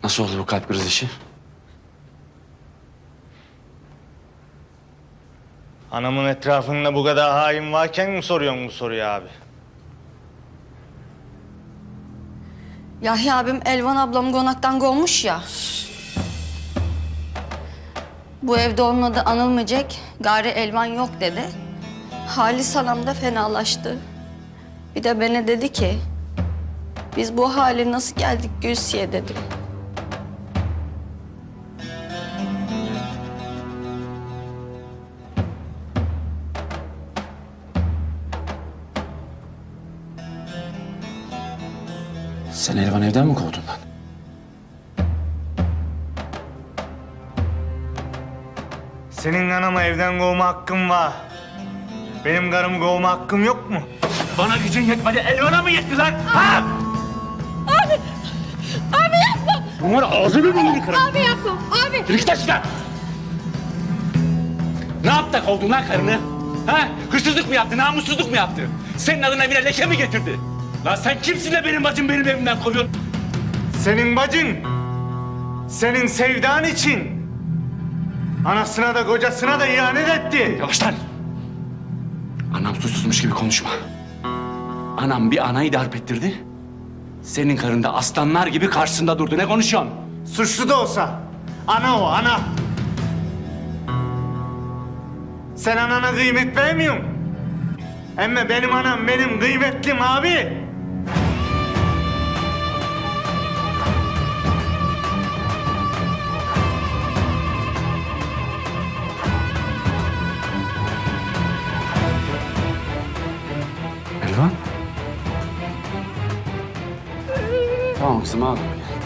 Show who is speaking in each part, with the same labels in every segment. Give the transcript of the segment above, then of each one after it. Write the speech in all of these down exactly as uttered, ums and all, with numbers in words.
Speaker 1: Nasıl oldu bu kalp krizi işi?
Speaker 2: Anamın etrafında bu kadar hain varken mi soruyorsun bu soruyu abi?
Speaker 3: Yahya abim Elvan ablamı konaktan kovmuş ya. Bu evde onun adı anılmayacak, gari Elvan yok dedi. Halis anam da fenalaştı. Bir de bana dedi ki, biz bu hale nasıl geldik Gülsiye dedi.
Speaker 1: Sen Elvan evden mi kovdun lan?
Speaker 2: Senin anamı evden kovma hakkın var. Benim karımı kovma hakkım yok mu?
Speaker 4: Bana gücün yetmedi, Elvan'a mı yetti lan? Ha?
Speaker 5: Abi! Abi yapma!
Speaker 4: Bunlar ağzını burnunu kırarım.
Speaker 5: Abi yapma! Abi!
Speaker 4: Yürü git aşağı! Ne yaptı da kovdun lan karını? Ha? Hırsızlık mı yaptı, namussuzluk mu yaptı? Senin adına evine leke mi getirdi? Lan sen kimsin de benim bacım benim evimden kovuyorsun?
Speaker 2: Senin bacın, senin sevdan için anasına da kocasına da ihanet etti.
Speaker 1: Yavaş lan! Anam suçsuzmuş gibi konuşma. Anam bir anayı darp ettirdi. Senin karın da aslanlar gibi karşısında durdu. Ne konuşuyorsun?
Speaker 2: Suçlu da olsa ana o ana. Sen anana kıymet vermiyorsun. Ama benim anam benim kıymetlim abi.
Speaker 1: Elvan? Tamam kızım ağlama.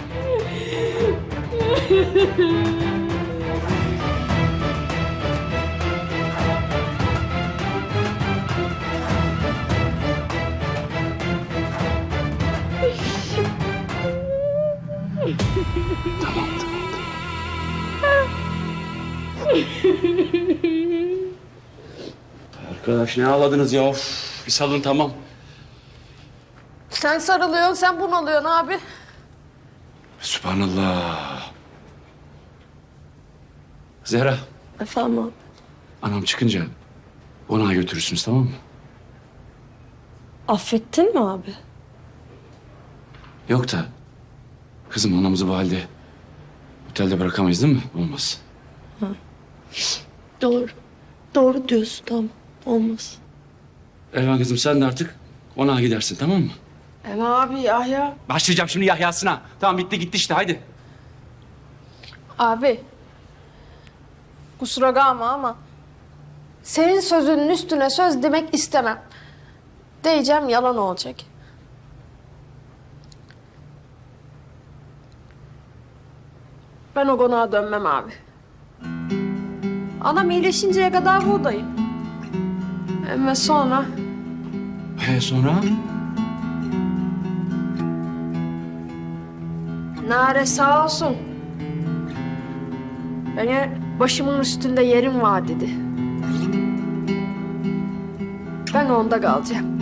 Speaker 1: Tamam, tamam. Arkadaş ne ağladınız ya? Of, bir salın tamam.
Speaker 5: Sen sarılıyorsun, sen bunalıyorsun abi.
Speaker 1: Sübhanallah. Zehra,
Speaker 3: Efendim abi?
Speaker 1: anam çıkınca konağa götürürsünüz tamam mı?
Speaker 3: Affettin mi abi?
Speaker 1: Yok da kızım anamızı bu halde otelde bırakamayız değil mi? Olmaz.
Speaker 3: Doğru. Doğru diyorsun, tamam. Olmaz.
Speaker 1: Elvan kızım sen de artık konağa gidersin tamam mı?
Speaker 5: Ama abi Yahya.
Speaker 1: Başlayacağım şimdi Yahya'sına. Tamam bitti gitti işte haydi.
Speaker 5: Abi. Kusura kalma ama senin sözünün üstüne söz demek istemem. Diyeceğim yalan olacak. Ben o konağa dönmem abi. Anam iyileşinceye kadar buradayım. Ama sonra
Speaker 1: He sonra?
Speaker 5: Nare sağ olsun. Bana başımın üstünde yerim var dedi. Ben onda kalacağım.